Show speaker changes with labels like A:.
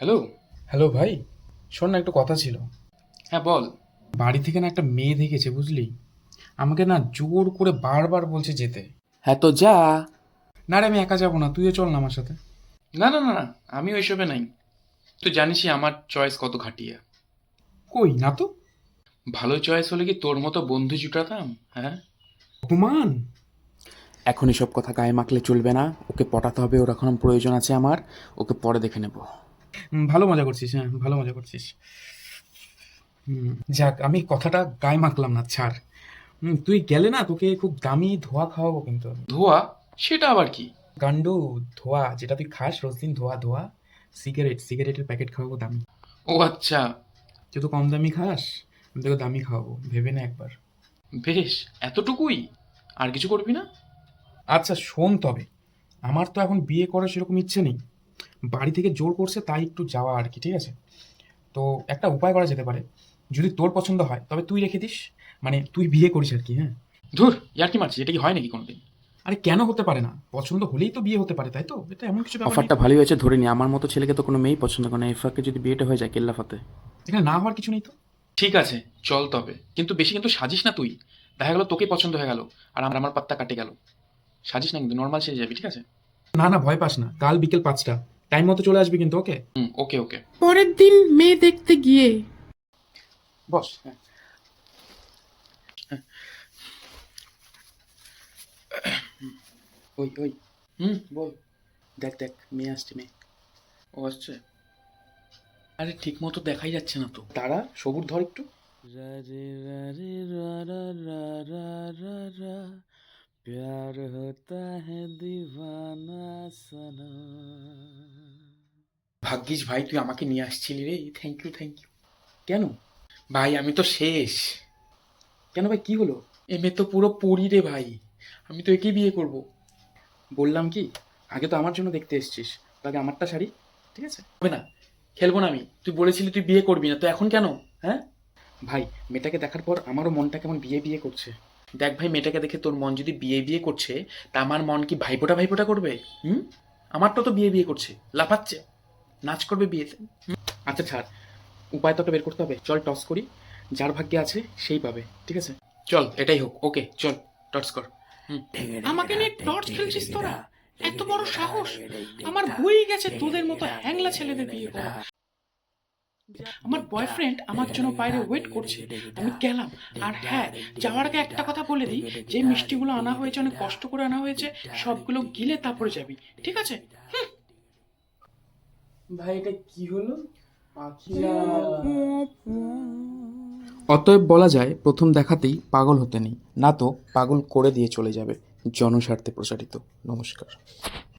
A: Hello.
B: Hello ভাই, শোন না, একটু কথা ছিল।
A: হ্যাঁ, বল।
B: বাড়ি থেকে না একটা মেয়ে দেখেছে, বুঝলি? আমাকে না জোর করে বারবার বলছে যেতে।
A: হ্যাঁ, তো যা।
B: না রে, আমি একা যাবো না, তুইও চল না আমার সাথে।
A: না না না না, আমি ওইসবে নাই। তুই জানিসই আমার চয়েস কত ঘাটিয়া।
B: কই না তো।
A: ভালো চয়েস হলে কি তোর মতো বন্ধু জুটাতাম? হ্যাঁ।
B: অপমান।
A: এখন এসব কথা গায়ে মাখলে চলবে না। ওকে পটাতে হবে, ওর এখন প্রয়োজন আছে আমার। ওকে পরে দেখে নেব।
B: ভালো মজা করছিস, হ্যাঁ ভালো মজা করছিস। যাক, আমি কথাটা গায়ে মাখলাম না, ছাড়। তুই গেলে না তোকে খুব দামি ধোয়া খাওয়াবো কিন্তু আমি।
A: ধোয়া? সেটা আবার কি?
B: গান্ডু। ধোয়া যেটা তুই খাস রোজ দিন, ধোয়া ধোয়া। সিগারেটের প্যাকেট খাওয়াবো দামি।
A: ও আচ্ছা।
B: তুই তো কম দামি খাস, আমি তোকে দামি খাওয়াবো, ভেবে না একবার।
A: বেশ, এতটুকুই? আর কিছু করবি না?
B: আচ্ছা শোন তবে, আমার তো এখন বিয়ে করার সেরকম ইচ্ছে নেই। বাড়ি থেকে জোর করছে তাই একটু যাওয়া আর কি, ঠিক আছে? তো একটা উপায় করা যেতে পারে। যদি তোর পছন্দ হয় তবে তুই রেখে দিস, মানে তুই বিয়ে করিস আর কি, হ্যাঁ।
A: ধুর, ইয়ার কি মারছিস? এটা কি হয় নাকি কোনোদিন?
B: আরে কেন হতে পারে না? পছন্দ হলেই তো বিয়ে হতে পারে, তাই তো? এটা এমন কিছু ব্যাপার নেই
A: অফারটা
B: তো।
A: ভালোই হয়েছে, ধরে নি। আমার মতো ছেলেকে তো কোনো মেয়েই পছন্দ করে না। এই ফাঁকে যদি বিয়েটা হয়ে যায়, কেল্লাফাতে।
B: এখানে না হওয়ার কিছু নেই তো।
A: ঠিক আছে, চল তবে। কিন্তু বেশি কিন্তু সাজিস না তুই। দেখা গেল তোকে পছন্দ হয়ে গেল, আর আমার পাত্তা কাটে গেল। সাজিস না কিন্তু, নর্মাল সেজে যাবি, ঠিক আছে?
B: না না, ভয় পাস না, কাল বিকেল 5টা টাইম মতো চলে আসবি কিন্তু, ওকে?
A: হুম, ওকে ওকে।
C: পরের দিন মেয়ে দেখতে গিয়ে
A: বস। হ্যাঁ। ওই ওই। বল। দেখ দেখ, মেয়ে আসছে, মেয়ে। ও আসছে। আরে ঠিক মতো দেখাই যাচ্ছে না তো, দাঁড়া, সবুর ধর একটু। রা রে রা রে রা রা রা রা রা রা, प्यार होता है दीवाना सना। ভাগ্যিস ভাই তুই আমাকে নিয়ে আসছিলি রে, থ্যাংক ইউ থ্যাংক ইউ। কেন? ভাই আমি তো শেষ। কেন ভাই, কি হলো? এমএ তো পুরো পড়ি রে ভাই। আমি তো একেই বিয়ে করব। বললাম কি, আগে তো আমার জন্য দেখতে এসেছিস, তো আগে আমারটা সারি, ঠিক আছে? হবে না, খেলবো না আমি। তুই বলেছিলি তুই বিয়ে করবি না, তো এখন কেন? হ্যাঁ ভাই, মেয়েটাকে দেখার পর আমারও মনটা কেমন বিয়ে বিয়ে করছে। দেখ ভাই, মেয়েটাকে দেখে তোর মন যদি বিয়ে বিয়ে করছে, তা আমার মন কি ভাইফোঁটা ভাইফোঁটা করবে? হুম। আমারটা তো বিয়ে বিয়ে করছে, লাফাচ্ছে, নাচ করবে বিয়েতে। আচ্ছা ছাড়, উপায় তো একটা বের করতে হবে। চল টস করি, যার ভাগ্যে আছে সেই পাবে, ঠিক আছে? চল এটাই হোক, ওকে চল, টস কর। হুম।
C: আমাকে নিয়ে টর্চ খেলছিস তোরা? এত বড় সাহস! আমার হয়ে গেছে তোদের মতো হ্যাংলা ছেলেদের বিয়ে করা। আমার বয়ফ্রেন্ড আমার জন্য বাইরে ওয়েট করছে, আমি গেলাম। আর হ্যাঁ, যাওয়ার আগে একটা কথা বলে দিই, যে মিষ্টিগুলো আনা হয়েছে অনেক কষ্ট করে আনা হয়েছে, সবগুলো গিলে তারপরে যাবি, ঠিক আছে?
A: ভাই এটা কি হলো?
B: অতএব বলা যায়, প্রথম দেখাতেই পাগল হতে নেই, না তো পাগল করে দিয়ে চলে যাবে। জনস্বার্থে প্রচারিত। নমস্কার।